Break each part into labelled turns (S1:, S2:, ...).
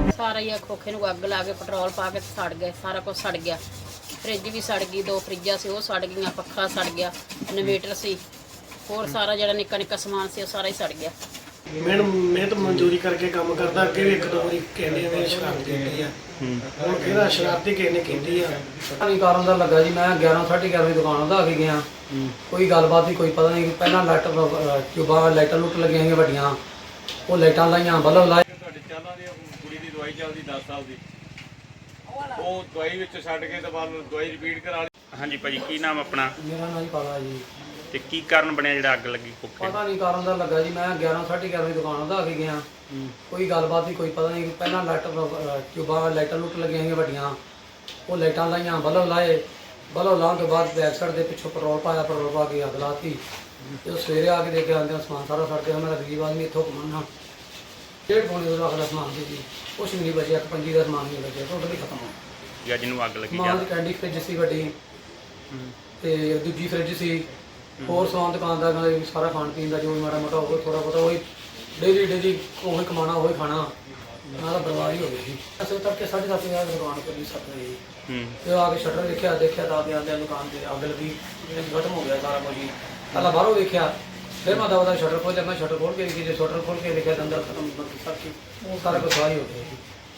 S1: सारा ही खोखे नूं अग ला के पेट्रोल पा के सड़ गए, सारा कुछ सड़ गया। फ्रिज भी सड़ गई, 2 फ्रिजा से वो सड़ गई, पक्खा सड़ गया, इन्वेटर से होर सारा जो निक्का निक्का समान से सारा ही सड़ गया।
S2: मैं तो मंजूरी करके काम करता, अगे भी 1-2 वारी कहते ने शरारती की है, हुण फिर शरारती किसी ने की है।
S3: नहीं कारण का लगा जी, मैं 11-11:30 दुकान का आके गया, कोई गलबात नहीं, कोई पता नहीं। पहला लाइट ट्यूबा लाइटा लुट लगिया ही वड्डियां, वो लाइटा लाइया, बल्ब लाए।
S4: ਚਾਲਾਂ ਦੀ ਕੁੜੀ ਦੀ ਦਵਾਈ ਚੱਲਦੀ 10 ਸਾਲ ਦੀ, ਉਹ ਦਵਾਈ ਵਿੱਚ ਛੱਡ ਕੇ ਤੇ ਬਾਅਦ ਦਵਾਈ ਰਿਪੀਟ ਕਰਾ ਲਈ।
S5: ਹਾਂਜੀ ਭਾਜੀ, ਕੀ ਨਾਮ ਆਪਣਾ
S3: मेरा नाम ही पाला जी।
S5: ਤੇ ਕੀ ਕਾਰਨ ਬਣਿਆ ਜਿਹੜਾ ਅੱਗ ਲੱਗੀ ਕੋਖੇ?
S3: पता नहीं कारण का लगा जी, मैं 11-11:30 दुकान का आके गया, कोई गलबात नहीं, कोई पता नहीं। पहला लाइट ट्यूबा लाइटा लुट लगिया ही वड्डियां, वो लाइटा लाइया, बल्ब लाए। बल्ब लाने के बाद बैक साइड के पिछों पेट्रोल पाया, पेट्रोल पा के अग लाती। जो सवेरे आके देखे आते समान सारा सड़ गया। मेरा गरीब आदमी इतों कमाना 1.5 पौने रखदा समान से जी, कुछ भी नहीं बचे, 1.25 का समान नहीं बचे, टोटली खत्म हो
S5: ਜਾਂ ਜਿਹਨੂੰ ਅੱਗ ਲੱਗੀ
S3: समान। कैंडी फ्रिज सी वड्डी ते दूजी फ्रिज सी, होर समान दुकान का सारा खाण पीन का जो भी माड़ा मोटा हो थोड़ा बहुता वही डेली वही कमाना वही खाना, मैं तो बर्बाद ही हो गई थी। असर तक 7:30 दुकान पर 7 बजे तो आके शटर देखा तो आते दुकान से अग लगी, खत्म हो गया सारा कुछ ही। पहला बाहरों देखा, फिर मैं दवा शटर खोलिया, मैं शटर खोल के देखी, जो शटर खोल के देखा तो अंदर खत्म सब चीज सारा कुछ सवाही हो गया।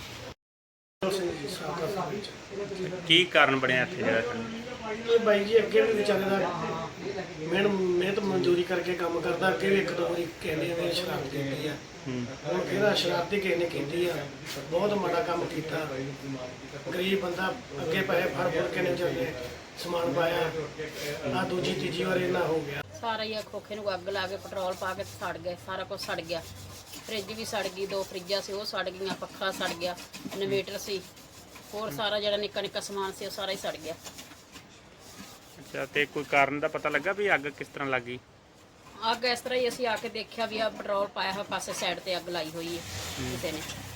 S5: ਕੀ ਕਾਰਨ ਬਣਿਆ ਇੱਥੇ ਜਿਹੜਾ
S2: ਇਹ ਬਾਈ ਜੀ ਅੱਗੇ ਵੀ ਵਿਚਾਰੇ ਦਾ ਮੈਂ ਤਾਂ ਮੰਜ਼ੂਰੀ ਕਰਕੇ ਕੰਮ ਕਰਦਾ, ਅੱਗੇ ਵੀ 1-2 ਵਾਰੀ ਕਹਿੰਦੇ ਨੇ ਸ਼ਰਾਰਤੀ ਕੀਤੀ ਹੈ, ਹੁਣ ਫਿਰ ਸ਼ਰਾਰਤੀ ਕਿਸੇ ਨੇ ਕੀਤੀ ਆ। ਬਹੁਤ ਮਾੜਾ ਕੰਮ ਕੀਤਾ, ਗਰੀਬ ਬੰਦਾ ਅੱਗੇ ਪੈਸੇ ਫੜ ਕੇ ਨਹੀਂ ਜਾਂਦੇ, ਸਮਾਨ ਪਾਇਆ ਆ ਦੂਜੀ ਤੀਜੀ ਵਾਰ ਇਹਨਾਂ ਹੋ ਗਿਆ।
S1: सारा ही खोखे नूं अग ला के पेट्रोल पा के सड़ गए, सारा कुछ सड़ गया। फ्रिज भी सड़ गई, 2 फ्रिजा से वो सड़ गई, पक्खा सड़ गया, इन्वेटर से होर सारा जो निक्का निक्का समान से सारा ही सड़ गया।
S5: ਅੱਛਾ, ਤੇ ਕੋਈ ਕਾਰਨ ਦਾ ਪਤਾ ਲੱਗਾ ਵੀ ਅੱਗ ਕਿਸ ਤਰ੍ਹਾਂ ਲੱਗੀ?
S1: अग इस तरह ही असीं आके देखा भी आ पेट्रोल पाया हुआ पासे साइड ते अग लाई हुई है किसी ने।